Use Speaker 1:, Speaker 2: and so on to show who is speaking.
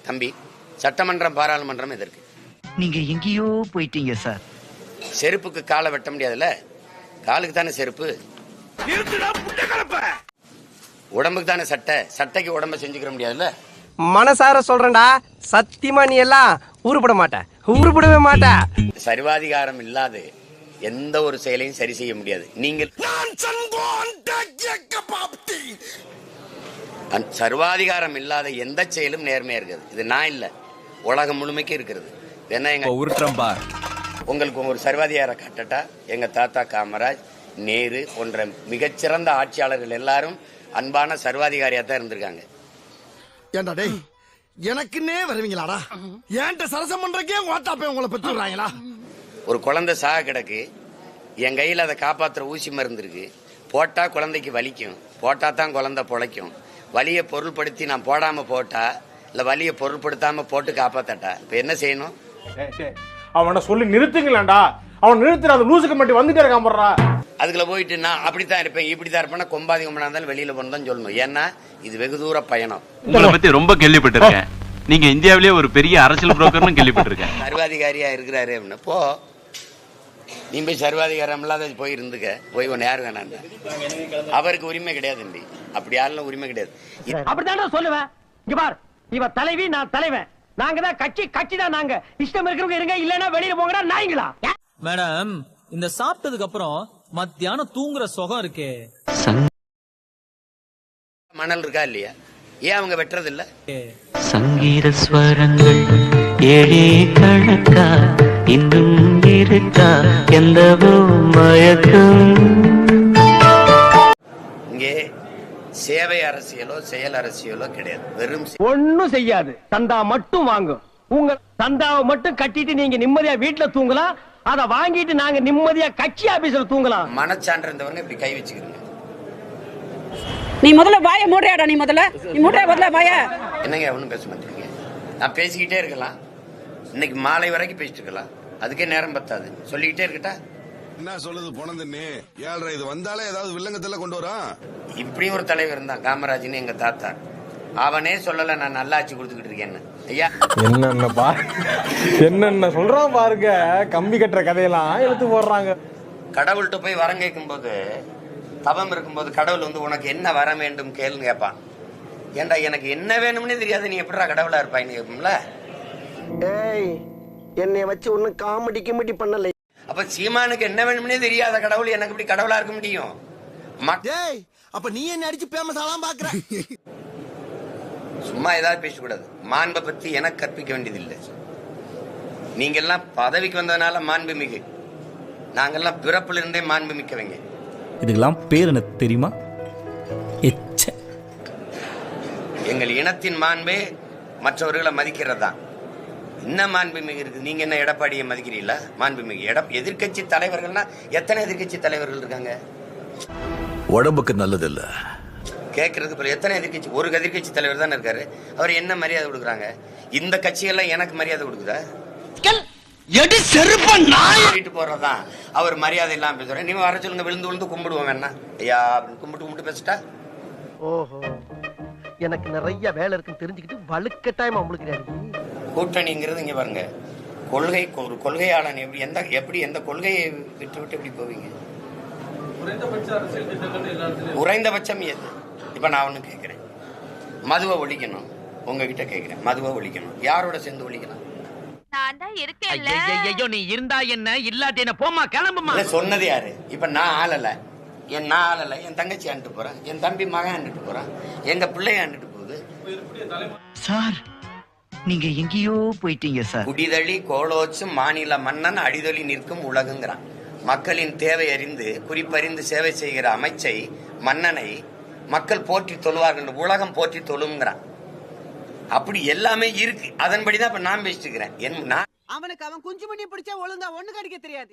Speaker 1: தம்பி, சட்டமன்றம் பாராளுமன்றம் எதற்கு?
Speaker 2: நீங்க எங்கேயோ போயிட்டீங்க சார்.
Speaker 1: செருப்புக்கு காலை வெட்ட முடியாதுல்ல, காலுக்கு தானே செருப்பு. உடம்புக்கு தானே சட்டை, சட்டைக்கு உடம்ப செஞ்சுக்கிற முடியாதுல்ல.
Speaker 3: மனசார சொல்றேன்டா, சத்தியமா நீ எல்லாம் உருப்பட மாட்ட, உருப்படவே மாட்ட.
Speaker 1: சர்வாதிகாரம் இல்லாத எந்த ஒரு செயலையும் சரி செய்ய முடியாது. நீங்கள் சர்வாதிகாரம் இல்லாத எந்த செயலும் நேர்மையா இருக்கிறது. இது நான் இல்ல, உலகம் முழுமைக்கு இருக்கிறது. உங்களுக்கு ஒரு சர்வாதிகார கட்டட்டா, எங்க தாத்தா காமராஜ், நேரு போன்ற மிகச்சிறந்த ஆட்சியாளர்கள் எல்லாரும் அன்பான சர்வாதிகாரியா தான் இருந்திருக்காங்க.
Speaker 4: ஏண்டா டேய், எனக்குன்னே வருவீங்களாடா? ஏன்ட்ட சரசம் பண்றக்கே ஓட்டாப்பே உங்களை பெற்றுறாங்களா?
Speaker 1: ஒரு குழந்தை சாக கிடக்கு, என் கையில் அதை காப்பாற்றுற ஊசி மருந்து இருக்கு. போட்டா குழந்தைக்கு வலிக்கும், போட்டா தான் குழந்தை பொழைக்கும். வலியை பொருள்படுத்தி நான் போடாம போட்டா, இல்ல வலியை பொருள்படுத்தாம போட்டு காப்பாத்தட்டா, இப்ப என்ன செய்யணும்?
Speaker 5: அவனை சொல்லி நிறுத்துங்களேன்டா. அவன் நிறுத்துற அந்த லூசுக்கு மட்டும் வந்துட்டே இருக்கான் போடுறா.
Speaker 1: அதுக்குள்ள போயிட்டு நான் அப்படித்தான் இருப்பேன், இப்படித்தான் இருப்பேன், கொம்பாதி கொம்பனா இருந்தாலும் வெளியில போனதான் சொல்லணும். ஏன்னா இது வெகு தூர பயணம்.
Speaker 6: உங்களை பத்தி ரொம்ப கேள்விப்பட்டிருக்கேன். நீங்க இந்தியாவிலேயே ஒரு பெரிய அரசியல் புரோக்கர்னு கேள்விப்பட்டிருக்கேன்.
Speaker 1: சர்வாதிகாரியா இருக்கிறாரு அப்படின்னு. போ, நீ போய் சர்வாதிகாரம் இல்லாத போய் இருந்துக்க. போய் ஒன்னு யாரு வேணாம், அவருக்கு உரிமை கிடையாது தம்பி. அப்படி யாரும் உரிமை கிடையாது.
Speaker 3: அப்படித்தான் சொல்லுவேன். இங்க பார், இவ தலைவி, நான் தலைவன். நாங்க தான் கட்சி, கட்சி தான் நாங்க. இஷ்டம் இருக்கிறவங்க இருங்க, இல்லன்னா வெளியில போங்கடா நாய்ங்களா.
Speaker 7: மேடம், இந்த சாப்பிட்டதுக்கு அப்புறம் மத்தியானம் தூங்குற சுகம் இருக்கே,
Speaker 1: மணல் இருக்கா இல்லையா? ஏன் அவங்க வெட்டுறது இல்ல?
Speaker 2: சங்கீத ஸ்வரங்கள் ஏழே கணக்கா இன்னும் இருக்கா எந்தவோ மயக்கம்.
Speaker 1: இங்கே சேவை அரசியலோ செயல் அரசியலோ கிடையாது. வெறும்
Speaker 3: ஒண்ணும் செய்யாது, சந்தா மட்டும் வாங்கும். உங்க சந்தாவை மட்டும் கட்டிட்டு நீங்க நிம்மதியா வீட்டுல தூங்கலாம். அத வாங்கிட்டு நாங்க நிம்மதியா கட்சி ஆபீஸ்ல தூங்கலாம்.
Speaker 1: மனச்சான்று இருந்தவங்க இப்படி கை வச்சுக்கிறீங்க.
Speaker 8: நீ முதல்ல வாய மூடுறியாடா. நீ முதல்ல முதல்ல வாய.
Speaker 1: என்னங்க ஒன்றும் பேச மாட்டேங்க. நான் பேசிக்கிட்டே இருக்கலாம், இன்னைக்கு மாலை வரைக்கும் பேசிட்டு இருக்கலாம். அதுக்கே நேரம் பத்தாது. சொல்லிக்கிட்டே இருக்கட்டா?
Speaker 4: என்ன சொல்லுது போனதுன்னு? ஏழ்ரை இது வந்தாலே ஏதாவது வில்லங்கத்துல கொண்டு வரா.
Speaker 1: இப்படி ஒரு தலைவர் இருந்தான் காமராஜ்னு, எங்க தாத்தா. அவனே சொல்லல நான் நல்லாட்சி கொடுத்துக்கிட்டு இருக்கேன்னு. ஐயா
Speaker 5: என்னென்ன சொல்றான் பாருங்க. கம்பி கட்டுற கதையெல்லாம் எடுத்து போடுறாங்க.
Speaker 1: கடவுள்கிட்ட போய் வரம் கேட்கும் போது, தவம் இருக்கும்போது கடவுள் வந்து உனக்கு என்ன வர வேண்டும் கேளுன்னு கேட்பான். ஏண்டா எனக்கு என்ன வேணும்னே தெரியாது, நீ எப்படிடா கடவுளா இருப்பாயின்னு கேட்போம்ல.
Speaker 3: ஏய், என்னைய வச்சு ஒன்னும் காமெடி கிமெடி பண்ணல.
Speaker 1: அப்ப சீமானுக்கு என்ன வேணும்னே தெரியாத கடவுள் எனக்கு இப்படி கடவுளா இருக்க முடியும்?
Speaker 4: டேய், அப்ப நீ என்ன அடிச்சு பேமஸ் ஆலாம் பாக்குற?
Speaker 1: சும்மா ஏதாவது பேசக்கூடாது. மாண்பை பத்தி எனக்கு கற்பிக்க வேண்டியதில்லை. நீங்க எல்லாம் பதவிக்கு வந்ததுனால மாண்பு மிகு, நாங்கெல்லாம் பிறப்புல இருந்தே மாண்பு மிக்கவங்க.
Speaker 7: இதுக்கெல்லாம் பேர் என்ன தெரியுமா?
Speaker 1: எங்கள் இனத்தின் மாண்பே மற்றவர்களை மதிக்கிறதான். என்ன மாண்பு மிகு இருக்கு? நீங்க என்ன எடப்பாடியை மதிக்கிறீங்களா? மாண்பு மிகு எதிர்கட்சி தலைவர்கள்னா எத்தனை எதிர்கட்சி தலைவர்கள் இருக்காங்க?
Speaker 4: உடம்புக்கு நல்லது இல்ல
Speaker 1: கேட்கறதுக்கு பிறகு எத்தனை எதிர்கட்சி? ஒரு எதிர்கட்சி தலைவர் தானே இருக்காரு. அவர் என்ன மரியாதை கொடுக்குறாங்க? இந்த கட்சியெல்லாம் எனக்கு மரியாதை கொடுக்குதா? வீட்டு போறதான் அவர் மரியாதை இல்லாம பேசுறேன். நீங்க வர சொல்லுங்க, விழுந்து விழுந்து கும்பிடுவோம் வேணா. ஐயா கும்பிட்டு பேசிட்டா.
Speaker 3: ஓஹோ, எனக்கு நிறைய வேலை இருக்குன்னு தெரிஞ்சுக்கிட்டு வலுக்கட்டாயமா உங்களுக்கு
Speaker 1: கூட்டணிங்கிறது இங்க பாருங்க. கொள்கை, ஒரு கொள்கையாளன் எப்படி எந்த கொள்கையை விட்டு எப்படி போவீங்க? குறைந்தபட்சம் எது? இப்ப நான் ஒண்ணு கேட்கிறேன், மதுவை ஒழிக்கணும். உங்ககிட்ட கேட்கிறேன், மதுவை ஒழிக்கணும். யாரோட சேர்ந்து ஒழிக்கலாம்?
Speaker 2: நீ இருந்தா என்ன, இல்லாட்டி என்ன, போமா கிளம்புமா.
Speaker 1: சொன்னது யாரு? இப்ப நான் ஆளல, என் தங்கச்சி ஆண்டுட்டு போறேன், என் தம்பி மகன் ஆண்டுட்டு போறான், எங்க பிள்ளைய ஆண்டுட்டு போகுது.
Speaker 2: சார், நீங்க எங்கேயோ போயிட்டீங்க சார்.
Speaker 1: குடிதழி கோலோச்சும் மாநில மன்னன் அடிதொலி நிற்கும் உலகுங்கிறான். மக்களின் தேவை அறிந்து குறிப்பறிந்து சேவை செய்கிற அமைச்சை, மன்னனை மக்கள் போற்றி தொழுவார்கள், உலகம் போற்றி தொழுங்கிறான். அப்படி எல்லாமே இருக்கு. அதன்படிதான் இப்ப நான் பேசிட்டு இருக்கிறேன்.
Speaker 9: அவனுக்கு அவன் குஞ்சு பண்ணி பிடிச்சா ஒழுங்கா ஒண்ணு கடிக்க தெரியாது.